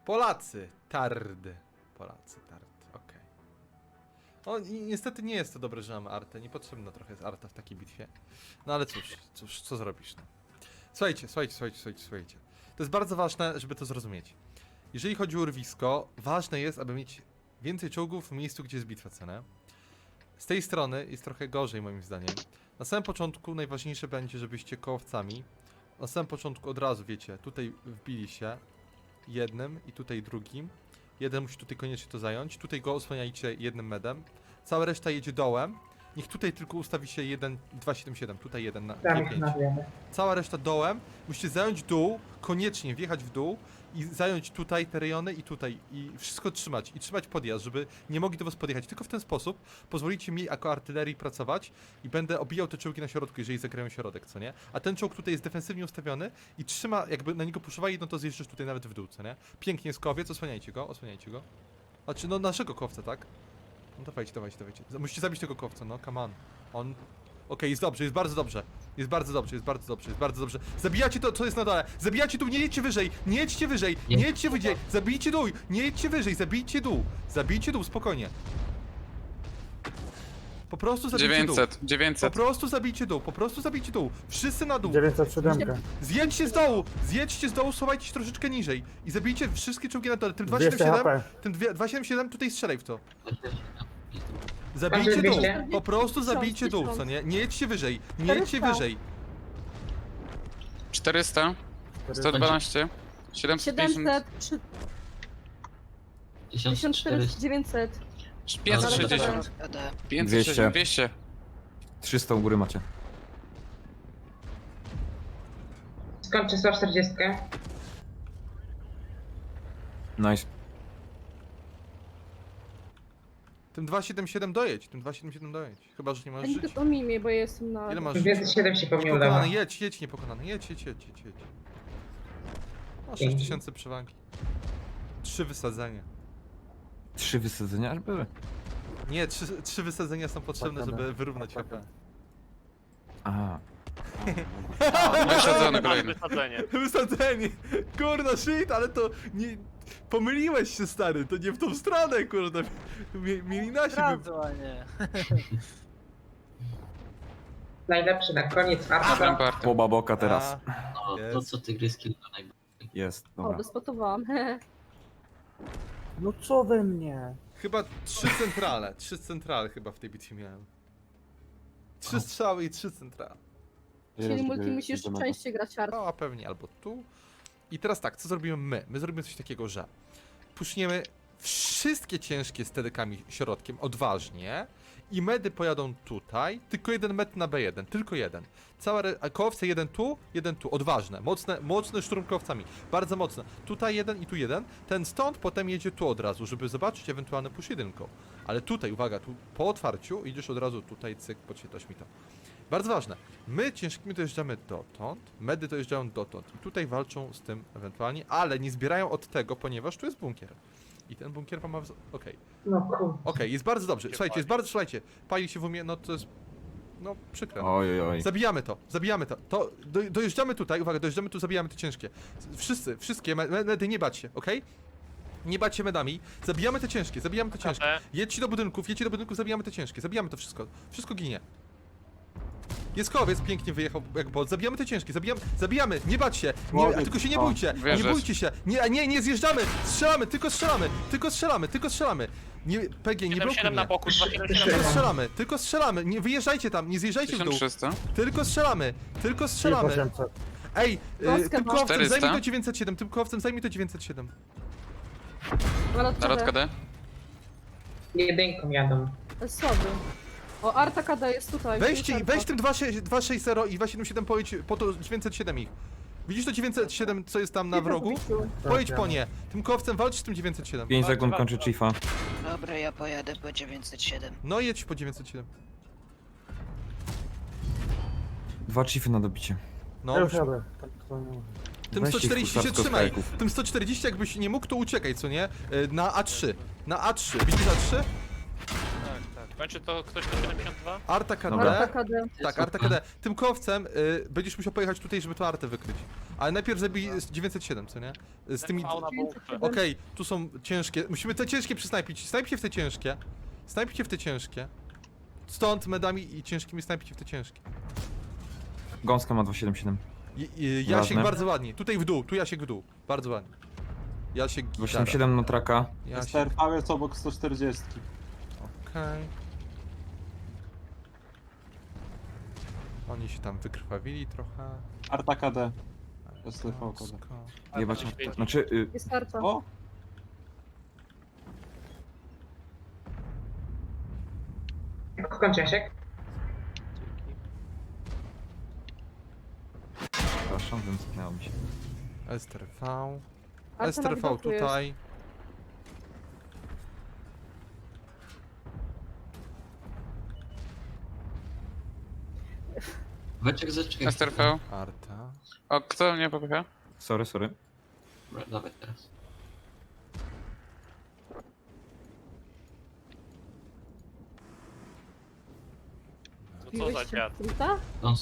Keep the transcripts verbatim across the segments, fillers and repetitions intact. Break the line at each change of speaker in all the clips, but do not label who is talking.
Polacy, tard. Polacy, tard, okej. Okay. O, i niestety nie jest to dobre, że mamy artę. Niepotrzebna trochę jest arta w takiej bitwie. No ale cóż, cóż, co zrobisz, no. Słuchajcie, słuchajcie, słuchajcie, słuchajcie, słuchajcie. To jest bardzo ważne, żeby to zrozumieć. Jeżeli chodzi o urwisko, ważne jest, aby mieć więcej czołgów w miejscu, gdzie jest bitwa, co nie? Z tej strony jest trochę gorzej, moim zdaniem. Na samym początku najważniejsze będzie, żebyście kołowcami na samym początku od razu, wiecie, tutaj wbili się jednym i tutaj drugim. Jeden musi tutaj koniecznie to zająć. Tutaj go osłaniajcie jednym medem. Cała reszta jedzie dołem. Niech tutaj tylko ustawi się jeden, dwa, siedem, siedem. Tutaj jeden na
Tam
pięć.
na wiemy.
Cała reszta dołem. Musicie zająć dół, koniecznie wjechać w dół i zająć tutaj te rejony i tutaj. I wszystko trzymać. I trzymać podjazd, żeby nie mogli do was podjechać. Tylko w ten sposób pozwolicie mi jako artylerii pracować i będę obijał te czołgi na środku, jeżeli zagrają środek, co nie? A ten czołg tutaj jest defensywnie ustawiony i trzyma, jakby na niego puszowali, no to zjeżdżasz tutaj nawet w dół, co nie? Pięknie jest kowiec, osłaniajcie go, osłaniajcie go. Znaczy, no naszego kowca, tak? No dawajcie, dawajcie, dawajcie. Musicie zabić tego kowca, no, come on. On... Okej, okay, jest dobrze, jest bardzo dobrze. Jest bardzo dobrze, jest bardzo dobrze, jest bardzo dobrze. Zabijacie to, co jest na dole. Zabijacie dół, nie jedźcie wyżej, nie jedźcie wyżej, nie jedźcie wyżej. Zabijcie dół, nie jedźcie wyżej, zabijcie dół. Zabijcie dół, spokojnie. Po prostu zabijcie
dziewięćset,
dół.
dziewięćset.
Po prostu zabijcie dół, po prostu zabijcie dł. Wszyscy na dół.
dziewięćset siedem.
Zjedźcie z dołu, zjedźcie z dołu, schowajcie się troszeczkę niżej. I zabijcie wszystkie czołgi na dole. Tym dwieście
dwieście
siedemdziesiąt
H P.
siedem, tym dwieście siedemdziesiąt siedem tutaj strzelaj w to. Zabijcie dół,
dwieście?
po prostu zabijcie dół, co nie? Nie jedźcie wyżej, nie jedźcie wyżej.
czterysta, sto dwanaście, siedemset pięćdziesiąt,
siedemset, tysiąc czterysta, dziewięćset.
pięćset sześćdziesiąt, pięćset sześćdziesiąt, dwieście.
trzysta u góry macie.
Skończę sto czterdzieści.
Nice.
Tym dwieście siedemdziesiąt siedem dojedź, tym dwieście siedemdziesiąt siedem dojedź. Chyba, że nie
Ja
masz
nie
żyć.
to mimie, bo ja jestem na...
Ile masz żyć?
dwieście siedem się po mnie udało.
Niepokonany, jedź, jedź, niepokonany, jedź, jedź, jedź, jedź, jedź. Masz sześć tysięcy przewagi. Trzy wysadzenia.
Trzy wysadzenia aż były.
Nie, trzy, trzy wysadzenia są potrzebne, żeby wyrównać H P.
Aha.
Wysadzony kolejny.
Wysadzenie.
Wysadzenie! Kurna, shit, ale to nie... Pomyliłeś się, stary, to nie w tą stronę, kurde. Mie- Mieli nasi by...
nie.
Najlepszy na koniec Arta.
Ramparty.
Poba boka teraz.
A,
No, to
jest.
co tygryski to najbardziej.
Jest,
O,
dobra.
wyspotowałam.
No co we mnie?
Chyba trzy centrale, trzy centrale chyba w tej bitwie miałem. Trzy strzały i trzy centrale.
Czyli multi musisz częściej grać art.
No, a pewnie albo tu. I teraz tak, co zrobimy my? My zrobimy coś takiego, że puszniemy wszystkie ciężkie z T D kami środkiem odważnie i medy pojadą tutaj, tylko jeden med na B jeden, tylko jeden. Cała re... a kołowce jeden tu, jeden tu, odważne, mocne, mocne szturmkowcami, bardzo mocne. Tutaj jeden i tu jeden, ten stąd potem jedzie tu od razu, żeby zobaczyć ewentualny push jedynką. Ale tutaj, uwaga, tu po otwarciu idziesz od razu tutaj, cyk, podświetlasz mi to. Bardzo ważne. My ciężkimi dojeżdżamy dotąd, medy dojeżdżają dotąd i tutaj walczą z tym ewentualnie, ale nie zbierają od tego, ponieważ tu jest bunkier. I ten bunkier wam ma... Okej, okay.
No kur...
Okej, jest bardzo dobrze. Słuchajcie, jest bardzo... Słuchajcie, pali się w umie, no to jest... No, przykre.
Oj, oj, oj.
Zabijamy to, zabijamy to. To do, dojeżdżamy tutaj, uwaga, dojeżdżamy tu, zabijamy te ciężkie. Wszyscy, wszystkie me- me- medy, nie bać się, okej? Nie bać się medami, zabijamy te ciężkie, zabijamy te ciężkie. Jedźcie do budynków, jedźcie do budynków, zabijamy te ciężkie, zabijamy to wszystko. Wszystko ginie. Jest kowiec, pięknie wyjechał jak bot, zabijamy te ciężkie, zabijamy, zabijamy, nie bać się, nie, tylko się nie bójcie, nie
Wierzę.
bójcie się, nie, nie, nie zjeżdżamy, strzelamy, tylko strzelamy, tylko strzelamy, tylko strzelamy. Nie, P G, nie blokuj
siedem na
mnie.
boku, dwa siedem
Tylko
siedem.
strzelamy, tylko strzelamy, nie wyjeżdżajcie tam, nie zjeżdżajcie w
tysiąc
dół.
trzysta,
Tylko strzelamy, tylko strzelamy.
osiemset.
Ej, y,
Łaska
tym
ma.
kowcem
czterysta.
zajmij to dziewięćset siedem, tym kowcem zajmij to dziewięćset siedem.
Narodka D.
Jedynką jadą.
Słaby. O, Arta K D jest tutaj.
Weźcie,
tu jest
weź
Arta.
tym dwieście sześćdziesiąt i dwieście siedemdziesiąt siedem pojedź po to dziewięćset siedem ich. Widzisz to dziewięćset siedem, co jest tam na wrogu? Pojedź po nie. Tym kowcem walcz z tym dziewięćset siedem.
pięć sekund kończy Chiefa.
Dobra, ja pojadę po dziewięćset siedem.
No jedź po dziewięćset siedem.
Dwa Chiefy na dobicie.
No,
Ja już jadę. Tam to nie ma.
tym
Weźcie
sto czterdzieści się
husarsko
trzymaj.
strajków.
Tym sto czterdzieści jakbyś nie mógł, to uciekaj, co nie? Y, Na A trzy. Na A trzy. Widzisz A trzy?
Tak, tak. Kończy to ktoś na siedemdziesiąt dwa?
Arta K D.
Dobra.
Arta K D.
Tak, Arta K D. Tym kowcem y, będziesz musiał pojechać tutaj, żeby to Artę wykryć. Ale najpierw zabij dziewięćset siedem, co nie? Z tymi...
Fauna bułkę.
Okej, tu są ciężkie. Musimy te ciężkie przysnajpić. Snajpcie w te ciężkie. Snajpcie w te ciężkie. Stąd medami i ciężkimi snajpcie w te ciężkie.
Gąska ma dwieście siedemdziesiąt siedem.
I, i, Jasiek
Ważne.
bardzo ładnie. Tutaj w dół, tu Jasiek w dół. Bardzo ładnie. Jasiek
dwieście
gitara.
siedemdziesiąt siedem na traka.
Jasiek,
S T R V jest obok sto czterdzieści.
okej. Oni się tam wykrwawili trochę.
Arta K D. S T R V K D.
Gąsko.
Jebać. Znaczy, y,
Jest Arta.
O!
Kończy Jasiek?
przepraszam, wymknęło mi się.
S T R V.
Arta
S T R
na
V
widoku jest.
tutaj.
Weczek zaczekaj.
S T R V.
Arta.
O, kto mnie popycha?
Sorry, sorry.
Dobra, dawaj teraz.
To co za
Piłeś się
dziad?
w Trita?
Dąs.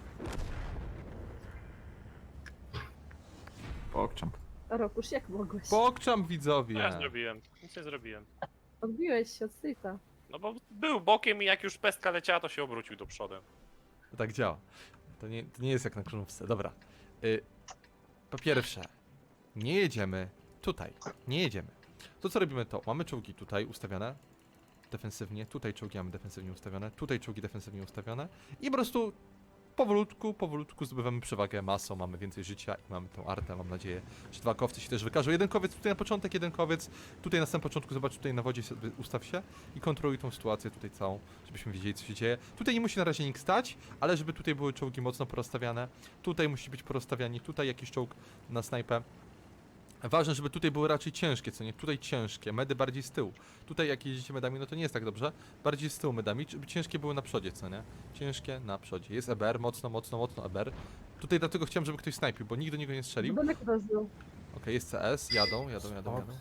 Pokczam.
Rokusz, jak mogłeś?
Pokczam
Co
widzowie.
ja zrobiłem? Nic nie zrobiłem.
Odbiłeś się od Trita.
No bo był bokiem i jak już pestka leciała, to się obrócił do przodem.
To tak działa. To nie, to nie jest jak na królówce. Dobra. Y, po pierwsze, nie jedziemy tutaj. Nie jedziemy. To co robimy to, mamy czołgi tutaj ustawione defensywnie, tutaj czołgi mamy defensywnie ustawione, tutaj czołgi defensywnie ustawione i po prostu powolutku, powolutku zdobywamy przewagę masą, mamy więcej życia i mamy tą artę, mam nadzieję, że dwa kowcy się też wykażą. Jeden kowiec tutaj na początek, jeden kowiec tutaj na samym początku, zobacz tutaj na wodzie sobie ustaw się i kontroluj tą sytuację tutaj całą, żebyśmy wiedzieli co się dzieje. Tutaj nie musi na razie nikt stać, ale żeby tutaj były czołgi mocno porozstawiane, tutaj musi być porozstawiani, tutaj jakiś czołg na snajpę. Ważne, żeby tutaj były raczej ciężkie, co nie? Tutaj ciężkie, medy bardziej z tyłu. Tutaj jak jeździcie medami, no to nie jest tak dobrze. Bardziej z tyłu medami, żeby ciężkie były na przodzie, co nie? Ciężkie na przodzie. Jest E B R, mocno, mocno, mocno E B R. Tutaj dlatego chciałem, żeby ktoś snajpił, bo nikt do niego nie strzelił. Okej,
Domek rozbił.
jest C S, jadą, jadą, jadą, jadą.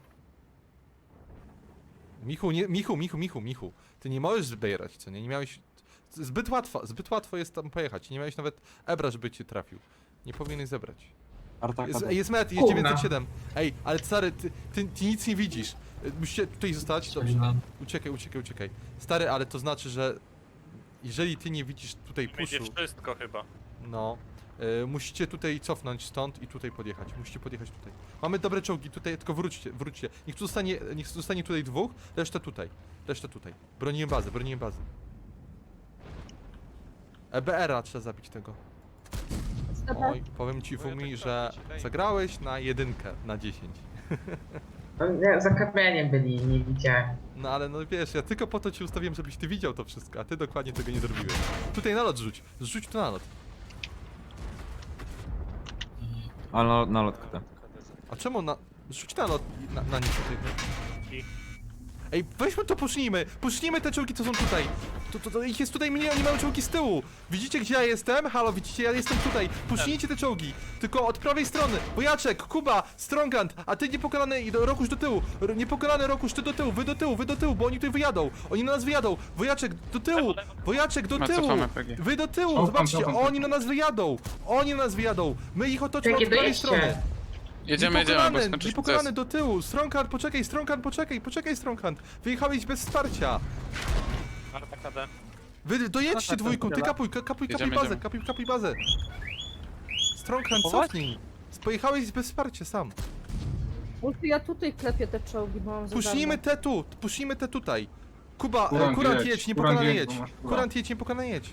Michu, nie, Michu, Michu, Michu, Michu. Ty nie możesz zbierać, co nie? Nie miałeś... Zbyt łatwo, zbyt łatwo jest tam pojechać. Nie miałeś nawet Ebra, żeby cię trafił. Nie powinieneś zebrać.
Arta K
Jest,
D.
jest met, jest
Kurna.
dziewięćset siedem. Ej, ale stary, ty, ty, ty nic nie widzisz. Y, Musicie tutaj zostać. Dobrze.
Strzeliłem.
Uciekaj, uciekaj, uciekaj. Stary, ale to znaczy, że jeżeli ty nie widzisz tutaj
Będzie
puszu,
wszystko chyba.
no, y, musicie tutaj cofnąć stąd i tutaj podjechać. Musicie podjechać tutaj. Mamy dobre czołgi, tutaj tylko wróćcie, wróćcie. Niech tu zostanie, niech zostanie tutaj dwóch, reszta tutaj. Reszta tutaj. Broniłem bazę, broniłem bazę. E B R-a trzeba zabić tego. Oj, powiem ci Fumi, że zagrałeś na jedynkę na dziesięć.
No, nie, za kamieniem byli, nie widziałem.
No ale no wiesz, ja tylko po to ci ustawiłem, żebyś ty widział to wszystko, a ty dokładnie tego nie zrobiłeś. Tutaj nalot rzuć, rzuć tu nalot.
Ale na, na lotkę tam.
A czemu na... rzuć nalot na, na nich tutaj.
I-
Ej, weźmy to, pusznijmy, pusznijmy te czołgi, co są tutaj. To, to, to ich jest tutaj mniej, oni mają czołgi z tyłu. Widzicie, gdzie ja jestem? Halo, widzicie, ja jestem tutaj. Puśnijcie te czołgi, tylko od prawej strony. Wojaczek, Kuba, Strongand, a ty niepokonany i do, Rokusz do tyłu. R niepokonany Rokusz, ty do tyłu, wy do tyłu, wy do tyłu, bo oni tutaj wyjadą. Oni na nas wyjadą. Wojaczek, do tyłu, Wojaczek, do
Ma
tyłu.
cofamy P G.
Wy do tyłu, zobaczcie, oni na nas wyjadą. Oni na nas wyjadą. My ich otoczymy od
Jakie
prawej
dojeźdźcie?
strony.
Jedziemy, jedziemy, bo
Niepokonany,
skończysz
niepokonany
proces.
do tyłu. Stronghand, poczekaj, Stronghand, poczekaj, poczekaj, Stronghand. Wyjechałeś bez wsparcia.
Arta K D.
Wy dojedźcie dwójką, ty kapuj, ka- kapuj, kapuj
Jedziemy,
bazę,
jedziemy.
kapuj, kapuj bazę. Stronghand, cofnij. Pojechałeś bez wsparcia sam.
Multi, ja tutaj klepię te czołgi, bo mam za
Puśnijmy
darmo.
te tu, puśnijmy te tutaj. Kuba, e,
Kurant
kurant
jedź,
jedź, niepokonany
kurant
jedź.
jedź, bo masz kurant.
Kurant jedź, niepokonany jedź.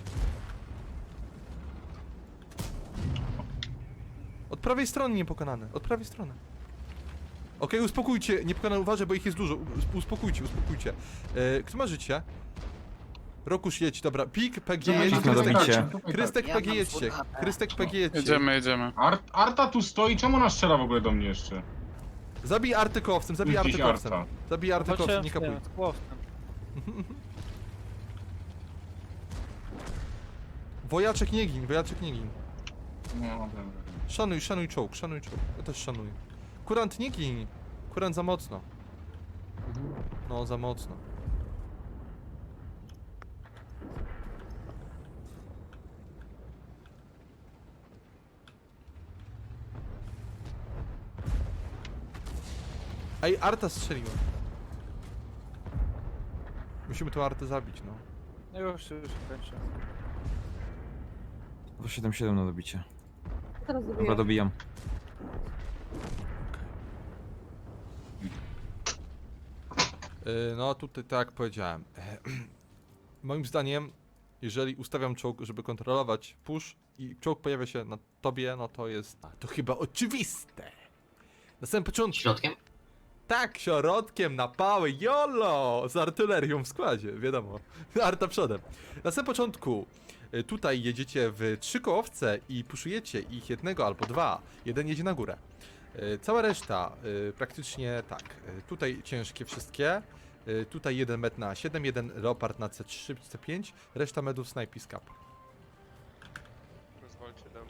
Od prawej strony niepokonany, od prawej strony. Okej, uspokójcie, niepokonany uważaj, bo ich jest dużo. Us- Uspokójcie, uspokójcie. E, kto ma życie? Rokusz jedź, dobra. Pik, P G jedź,
Pik na
Krystek,
dobicie.
Krystek
Ja
P G
mam
jedźcie.
full H P.
Krystek P G jedźcie.
Jedziemy, jedziemy.
Art, Arta tu stoi, czemu ona strzela w ogóle do mnie jeszcze?
Zabij artykowcem, zabij
Gdzieś
artykowcem.
Arta.
Zabij artykowcem, nie kapuj. Wojaczek nie gin, wojaczek nie gin.
No dobra.
Szanuj, szanuj czołg, szanuj czołg. Ja też szanuję. Kurant nie gin. Kurant za mocno. No, za mocno. Ej, Arta strzeliła. Musimy tą Artę zabić, no.
No już, już kończę.
dwa siedem siedem na dobicie.
Teraz
Dobra,
dobiję.
dobijam.
Yy, no tutaj tak jak powiedziałem. Moim zdaniem, jeżeli ustawiam czołg, żeby kontrolować push i czołg pojawia się na tobie, no to jest... To chyba oczywiste. Na samym początku...
Środkiem?
Tak, środkiem na pały, jolo! Z artylerią w składzie, wiadomo. Arta przodem. Na samym początku y, tutaj jedziecie w trzy kołowce i puszujecie ich jednego albo dwa. Jeden jedzie na górę. Y, Cała reszta y, praktycznie tak. Y, Tutaj ciężkie wszystkie. Y, Tutaj jeden med na A siedem, jeden Leopard na C trzy, C pięć. Reszta medów snipe i scap.
Rozwalcie dam.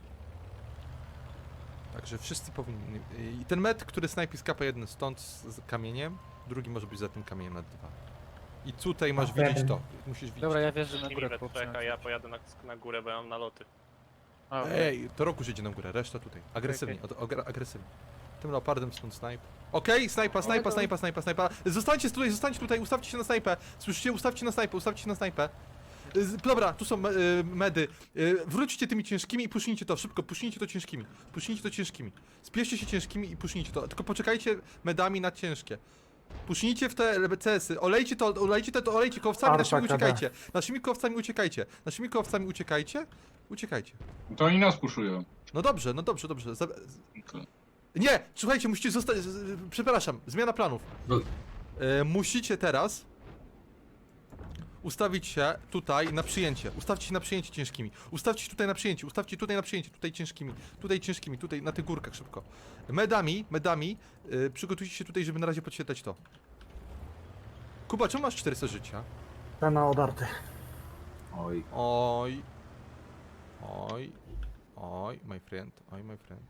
Także wszyscy powinni... I ten med, który snajpi skapa jeden stąd z z kamieniem, drugi może być za tym kamieniem na dwa. I tutaj masz
Okej.
widzieć to. Musisz widzieć.
Dobra, ja wierzę na
Zacznijmy
górę
we
chłopcy.
trzech, a ja pojadę na, na górę, bo ja mam naloty.
A,
Ej, to roku idzie na górę, reszta tutaj. Agresywnie, od, ogra- agresywnie. Tym leopardem stąd snipe. Okej, snajpa, snajpa, snajpa, snajpa, snajpa. Zostańcie tutaj, zostańcie tutaj, ustawcie się na snajpę. Słyszycie? Ustawcie na snajpę, ustawcie się na snajpę. Z- Dobra, tu są me- y, medy. Y, Wróćcie tymi ciężkimi i pusznijcie to, szybko, pusznijcie to ciężkimi. Pusznijcie to ciężkimi. Spieszcie się ciężkimi i pusznijcie to. Tylko poczekajcie medami na ciężkie. Pusznijcie w te C S-y, olejcie to, olejcie to, to olejcie kołowcami, naszymi uciekajcie. Naszymi kołowcami uciekajcie. Naszymi kołowcami uciekajcie. Uciekajcie.
To oni nas puszują.
No dobrze, no dobrze, dobrze. Za-
To-
Nie! Słuchajcie, musicie zostać. z- z- Przepraszam, zmiana planów.
No.
E, musicie teraz ustawić się tutaj na przyjęcie. Ustawcie się na przyjęcie ciężkimi. Ustawcie się tutaj na przyjęcie, ustawcie tutaj na przyjęcie, tutaj ciężkimi, tutaj ciężkimi, tutaj na tych górkach szybko. Medami, medami, e, przygotujcie się tutaj, żeby na razie podświetlać to. Kuba, czemu masz czterysta życia?
Pena odarty.
Oj.
Oj. Oj. Oj, my friend, oj, my friend.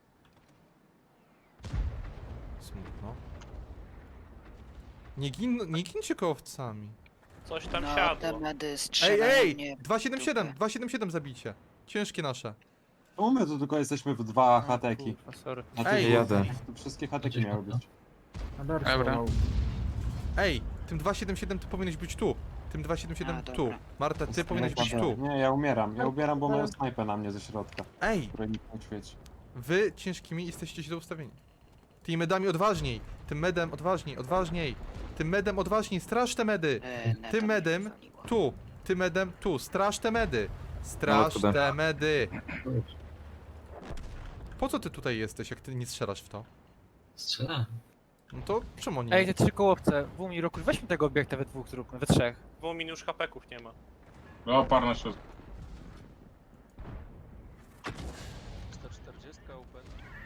Smutno. Nie, gin, nie gincie kołowcami.
Coś tam
No, te
siadło.
medy
Ej,
strzelają
ej!
mnie.
dwa siedem siedem,
dupę.
dwa siedem siedem zabicie. Ciężkie nasze.
Czemu my tu tylko jesteśmy w dwa hateki?
kurwa, sorry.
Na
Ej,
tych-
jadę.
Tu wszystkie hateki miały być.
Dobra.
Ej, tym dwa siedem siedem ty powinieneś być tu. Tym dwa siedem siedem
A,
tu.
dobra.
Marta, ty powinieneś być tu.
Nie, ja umieram. Ja umieram, bo mają snajpę na mnie ze środka,
Ej,
której nikt nie świeci.
wy ciężkimi jesteście źle ustawieni. Tymi medami odważniej. Tym medem odważniej, odważniej. Tym medem odważniej, straż te medy.
E, neto
Tym
mnie
medem
wywaliło.
tu. Tym medem tu. Straż te medy. Straż
No,
te medy. Po co ty tutaj jesteś, jak ty nie strzelasz w to?
Strzelałem.
No to czemu oni
Ej, te trzy kołowce, Wumi, Roku, weźmy tego obiekta we dwóch zróbmy, we trzech.
Dwóch min już hapeków nie ma.
Leopard na środku.
sto czterdzieści open.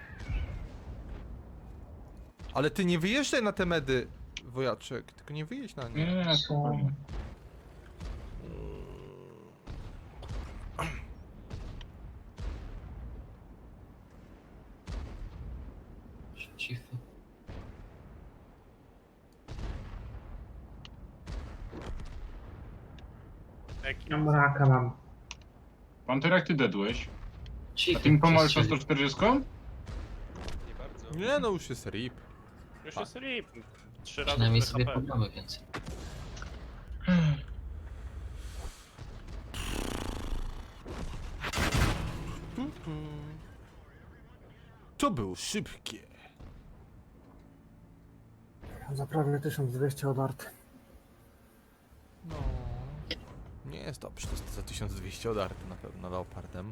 Ale ty nie wyjeżdżaj na te medy, wojaczek, tylko nie wyjedź na nie.
Nie, nie, spokojnie.
Cify.
Jaki?
Ja mraka mam.
Panter, jak ty dedłeś?
Cify.
A ty mi pomożesz na
przestrzeli.
sto czterdzieści?
Nie bardzo.
Nie no, już jest rip.
Już jest rip. Trzy razy
Przynajmniej
tyle
sobie
H P.
pogramy więcej.
Tu, tu. To było szybkie.
Za prawie tysiąc dwieście odarty.
No. Nie jest dobrze, to jest za tysiąc dwieście odarty na pewno leopardem.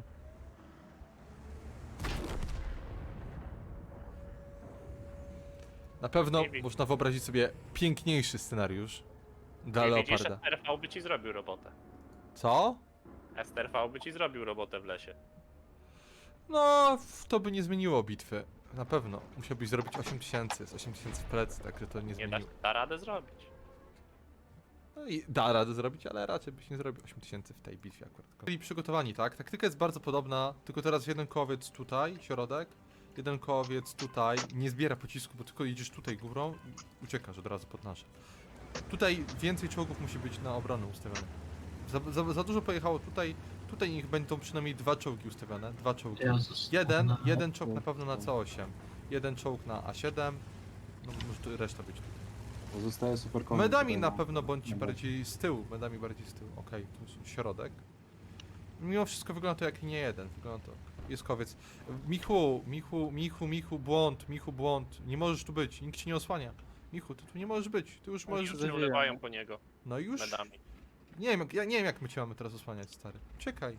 Na pewno
Nie wiem.
można wyobrazić sobie piękniejszy scenariusz dla
Nie widzisz,
leoparda.
S T R V by ci zrobił robotę.
Co?
S T R V by ci zrobił robotę w lesie.
No, w- to by nie zmieniło bitwy. Na pewno. Musiałbyś zrobić osiem tysięcy, z osiem tysięcy w plecy, także to nie
Nie da,
zmieniło.
da radę zrobić.
No i da radę zrobić, ale raczej byś nie zrobił osiem tysięcy w tej bitwie akurat. Byli przygotowani, tak? Taktyka jest bardzo podobna, tylko teraz jeden kołowiec tutaj, środek, jeden kołowiec tutaj, nie zbiera pocisku, bo tylko jedziesz tutaj górą i uciekasz od razu pod nasze. Tutaj więcej czołgów musi być na obronę ustawione. Za, za, za dużo pojechało tutaj, tutaj niech będą przynajmniej dwa czołgi ustawione, dwa czołgi.
Jezus.
Jeden,
No.
jeden czołg na pewno na C osiem, jeden czołg na A siedem, No może tu reszta być.
Pozostaje super kombi.
Medami
tutaj,
na
no.
pewno bądź
Dobra.
bardziej z tyłu, medami bardziej z tyłu. Okej, tu jest środek. Mimo wszystko wygląda to jak nie jeden, wygląda to jest kowiec. Michu, Michu, Michu, Michu, błąd, Michu, błąd. Nie możesz tu być, nikt ci nie osłania. Michu, ty tu nie możesz być, ty już
Oni
możesz...
już nie ulewają po niego
No już...
medami.
Nie wiem, jak, ja nie wiem jak my cię mamy teraz osłaniać, stary. Czekaj.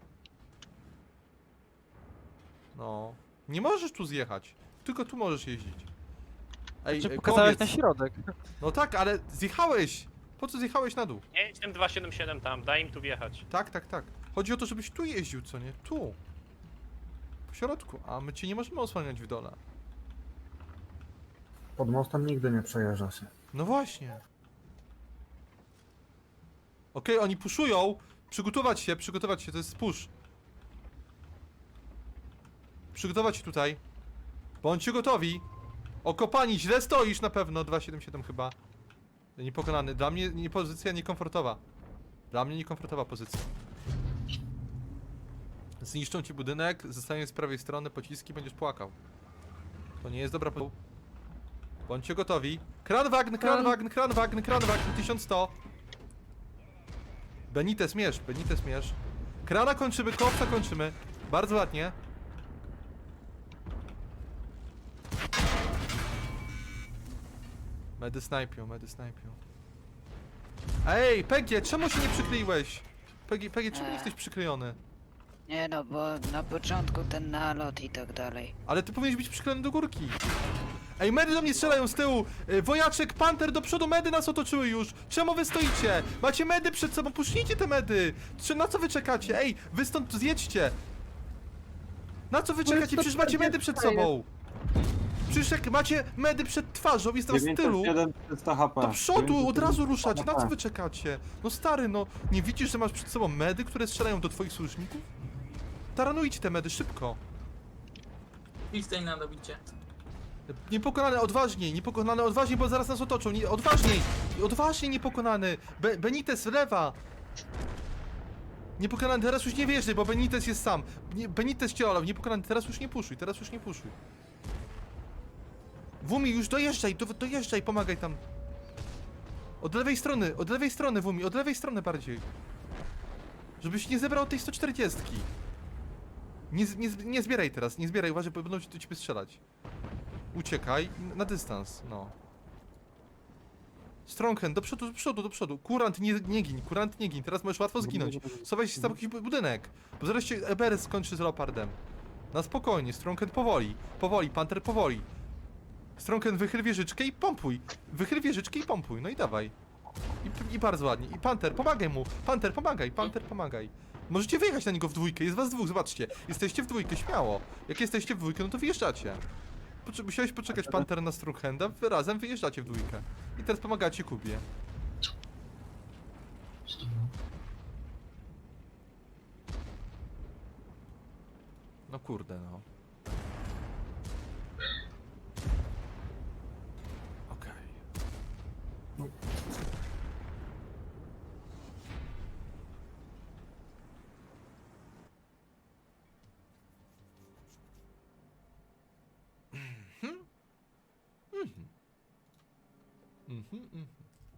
No. Nie możesz tu zjechać. Tylko tu możesz jeździć. Ej,
Czy
e,
pokazałeś
kowiec.
na środek?
No tak, ale zjechałeś! Po co zjechałeś na dół?
Nie, jedź tym dwa siedem siedem tam, daj im tu wjechać.
Tak, tak, tak. Chodzi o to, żebyś tu jeździł, co nie? Tu. W środku, a my cię nie możemy osłaniać w dole.
Pod mostem nigdy nie przejeżdża się.
No właśnie. Okej, oni puszują. Przygotować się, przygotować się, to jest push. Przygotować się tutaj. Bądźcie gotowi. Okopani, źle stoisz na pewno. dwa siedem siedem chyba. Niepokonany. Dla mnie nie pozycja niekomfortowa. Dla mnie niekomfortowa pozycja. Zniszczą ci budynek, zostanie z prawej strony pociski, będziesz płakał. To nie jest dobra po... Bądźcie gotowi. Kranwagn, kranwagn, kranwagn, kranwagn, tysiąc sto. Benitez mierz, Benitez mierz. Krana kończymy, kowca kończymy. Bardzo ładnie. Medy snajpią, medy snajpią. Ej, Pegie, czemu się nie przykleiłeś? Pegie, Pegie, czemu nie jesteś przyklejony?
Nie no, bo na początku ten nalot i tak dalej.
Ale ty powinieneś być przyklejony do górki. Ej, medy do mnie strzelają z tyłu! Y, Wojaczek, Panter do przodu, medy nas otoczyły już! Czemu wy stoicie? Macie medy przed sobą, puśnijcie te medy! Czy na co wy czekacie? Ej, wy stąd zjedźcie! Na co wy czekacie? Przecież macie medy przed sobą! Przecież jak macie medy przed twarzą, jest was tylu,
dziewięćset jeden, trzysta H P.
do przodu od razu ruszacie, na co
H P.
wy czekacie? No stary, no, nie widzisz, że masz przed sobą medy, które strzelają do twoich sojuszników? Taranujcie te medy, szybko!
Idź na dobicie.
Niepokonany, odważniej, niepokonany, odważniej, bo zaraz nas otoczą. Nie, odważniej, odważniej niepokonany. Be Benitez lewa. Niepokonany, teraz już nie wjeżdżaj, bo Benitez jest sam. Nie, Benitez cię olał, niepokonany, teraz już nie puszuj, teraz już nie puszuj. Wumi, już dojeżdżaj, do, dojeżdżaj, pomagaj tam. Od lewej strony, od lewej strony, Wumi, od lewej strony bardziej. Żebyś nie zebrał tej sto czterdziestki. Nie, z- nie, z- nie zbieraj teraz, nie zbieraj, uważaj, bo będą ci do ciebie strzelać. Uciekaj, na dystans, no. Stronghand, do przodu, do przodu, do przodu. Kurant, nie, nie gin, kurant, nie gin, teraz możesz łatwo zginąć. Schowaj się za jakiś bu- budynek, bo zaraz się Eberes skończy z Leopardem. Na spokojnie, Stronghand powoli, powoli, Panther powoli. Stronghand wychyl wieżyczkę i pompuj. Wychyl wieżyczkę i pompuj, no i dawaj. I, I bardzo ładnie. I Panther, pomagaj mu. Panther, pomagaj, Panther, pomagaj. Możecie wyjechać na niego w dwójkę, jest was dwóch, zobaczcie. Jesteście w dwójkę, śmiało. Jak jesteście w dwójkę, no to wyjeżdżacie. Potrze- musiałeś poczekać Panther na Stronghanda, wy razem wyjeżdżacie w dwójkę. I teraz pomagacie Kubie.
Co to było?
No kurde, no. Okej. Mhm. Mhm. Mhm, mhm.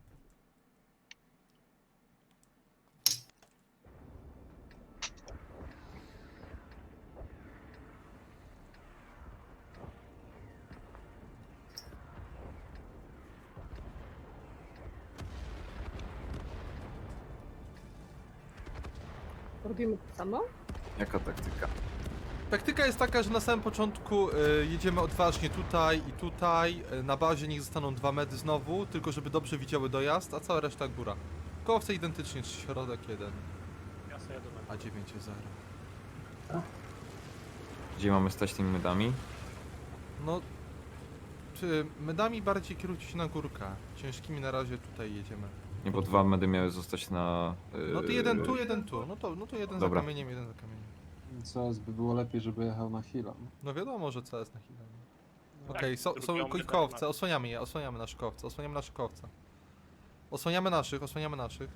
Robimy to samo?
Jaka taktyka?
Taktyka jest taka, że na samym początku y, jedziemy odważnie tutaj i tutaj. Y, na bazie niech zostaną dwa medy znowu, tylko żeby dobrze widziały dojazd, a cała reszta góra. Kołowce identycznie, czy środek jeden,
Ja sobie jadę na
a dziewięć zero.
Gdzie mamy stać tymi medami?
No, czy medami bardziej kierujcie się na górkę. Ciężkimi na razie tutaj jedziemy.
Nie, bo dwa medy miały zostać na... Yy...
No to jeden tu, jeden tu. No to, no to jeden
Dobra.
za kamieniem, jeden za kamieniem.
C S by było lepiej, żeby jechał na heal'a.
No wiadomo, że C S na chwilę.
Tak,
Okej, so, są
drugią
ko-
my
kołowce,
tak
osłaniamy je, osłaniamy nasze kołowce, osłaniamy nasze kołowce. Osłaniamy naszych, osłaniamy naszych.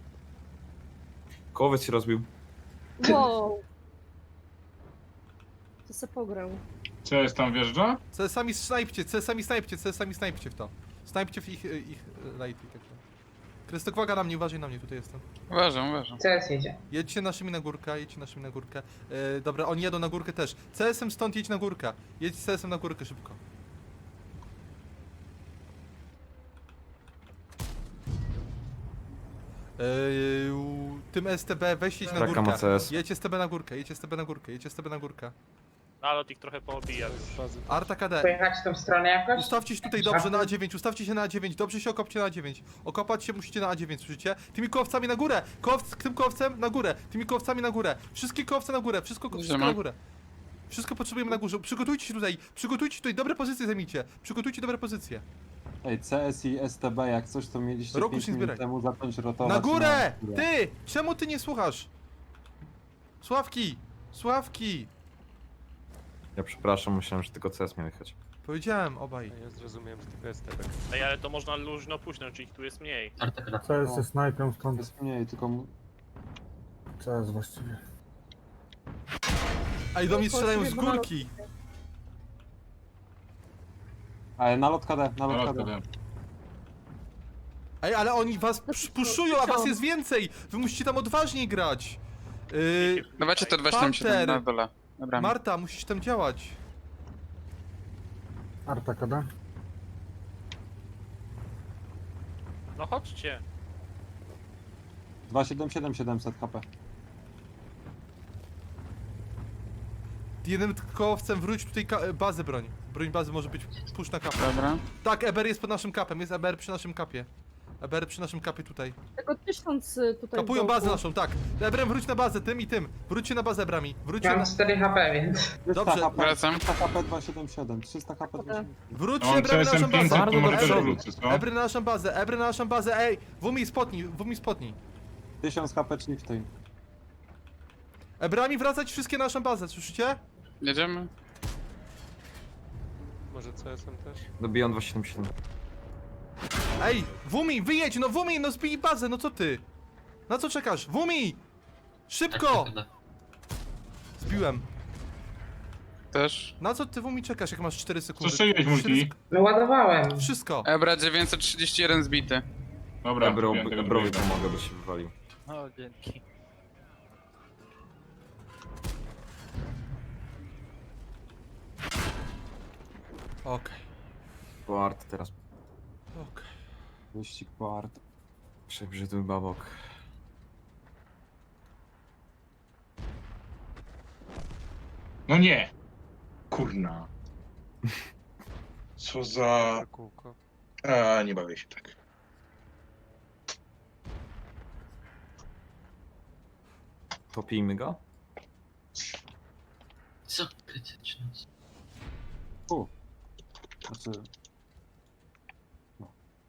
Kołowiec się rozbił.
Wow! To se pograł.
C S tam wjeżdża?
C S ami snajpcie, C S ami snajpcie, C S ami snajpcie w to. Snajpcie w ich, ich lighty. Tak. Krystok, uwaga na mnie, uważaj na mnie, tutaj jestem.
Uważam, uważam.
C S jedzie.
Jedźcie naszymi na górkę, jedźcie naszymi na górkę. Yy, dobra, oni jadą na górkę też. C S em stąd jedź na górkę. Jedź z C S em na górkę szybko. Yy, tym S T B weź jedź na
Czekam
górkę.
na C S.
Jedź S T B na górkę, jedź S T B na górkę, jedź S T B na górkę.
Nalot ich trochę poobija już.
Arta K D.
Pojechać w tą stronę jakoś?
Ustawcie się tutaj dobrze na A dziewięć, ustawcie się na A dziewięć, dobrze się okopcie na A dziewięć. Okopać się musicie na A dziewięć, słyszycie? Tymi kołowcami na górę! Kołowc, tym kołowcem na górę! Tymi kołowcami na górę! Wszystkie kołowce na górę, wszystko, wszystko
Idziemy.
na górę. Wszystko potrzebujemy na górze. Przygotujcie się tutaj, przygotujcie tutaj, dobre pozycje zajmijcie. Przygotujcie dobre pozycje.
Ej, C S i S T B, jak coś to mieliście
Roku
pięć
się
minut
zbieraj.
temu zacząć rotować
Na górę!
górę.
Ty! Czemu ty nie słuchasz? Sławki! Sławki!
Ja przepraszam, myślałem, że tylko C S miał jechać.
Powiedziałem obaj.
Ja zrozumiałem, że tylko jest tebek.
Ej, ale to można luźno puśnąć, czy ich tu jest mniej.
Co jest ze snajpem stąd? Jest mniej, tylko... mu- Co jest właściwie?
Ej, do mnie strzelają z górki!
Ale nalot K D, nalot
Nalot
K D.
K D.
Ej, ale oni was puszują, a was jest więcej! Wy musicie tam odważniej grać! Yy,
Dawajcie to dwadzieścia siedem
Panter.
na dole. Dobra.
Marta, musisz tam działać.
Arta K D?
No chodźcie.
dwa siedem siedem siedemset H P.
Jednym kołowcem wróć tutaj ka- bazę broń. Broń bazy może być push na kapę.
Dobra.
Tak, Eber jest pod naszym kapem, jest Eber przy naszym kapie. Eber przy naszym kapie tutaj.
Tylko tysiąc y, tutaj
Kapują
wokół.
bazę naszą, tak. Ebrem wróć na bazę, tym i tym. Wróćcie na bazę Ebrami. Wróćcie na...
Mam cztery H P, więc...
trzysta
Dobrze.
H P,
Wracam.
trzysta H P dwieście siedemdziesiąt siedem, trzysta H P dwieście siedemdziesiąt siedem.
Wróćcie
Mam
Ebrem na
C S M
naszą bazę.
pięćset, to może też
Ebry,
wrócę, co?
Ebry na naszą bazę, Ebry na naszą bazę, ej! Wumi spotnij, Wumi spotnij.
tysiąc H P Chieftain.
Ebrami wracać wszystkie na naszą bazę, słyszycie?
Jedziemy.
Może C S M też?
Dobiją dwieście siedemdziesiąt siedem.
Ej, Wumi, wyjedź, no Wumi, no zbij bazę, no co ty? Na co czekasz? Wumi! Szybko! Zbiłem.
Też.
Na co ty Wumi czekasz, jak masz cztery sekundy?
Co strzeliłeś, multi?
cztery sek-
No ładowałem.
Wszystko.
Ebra dziewięćset trzydzieści jeden zbity.
Dobra,
Ebro,
wiem tego
Ebrowi
drugiego.
pomogę, bo się wywalił.
O, dzięki.
Okej,
Po art teraz.
okej.
Wyścig po Art.
Przebrzydły babok.
No nie! Kurna. Co za...
Na kółko.
A, nie bawię się tak.
Topijmy go?
Co? Krytyczne.
U. Znaczy... No.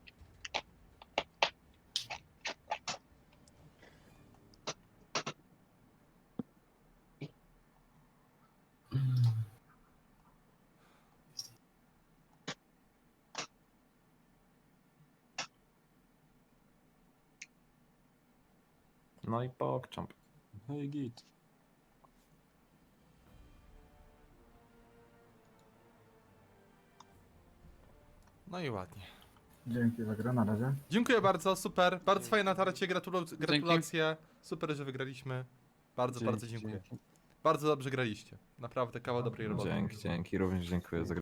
No i pokczamp.
Hej, git.
No i ładnie.
Dzięki za grę, na razie.
Dziękuję bardzo, super. Bardzo fajne natarcie, gratulu- gratulacje. Super, że wygraliśmy. Bardzo, bardzo dziękuję. Bardzo dobrze graliście. Naprawdę kawał dobrej roboty.
Dzięki, dzięki. Również dziękuję za grę.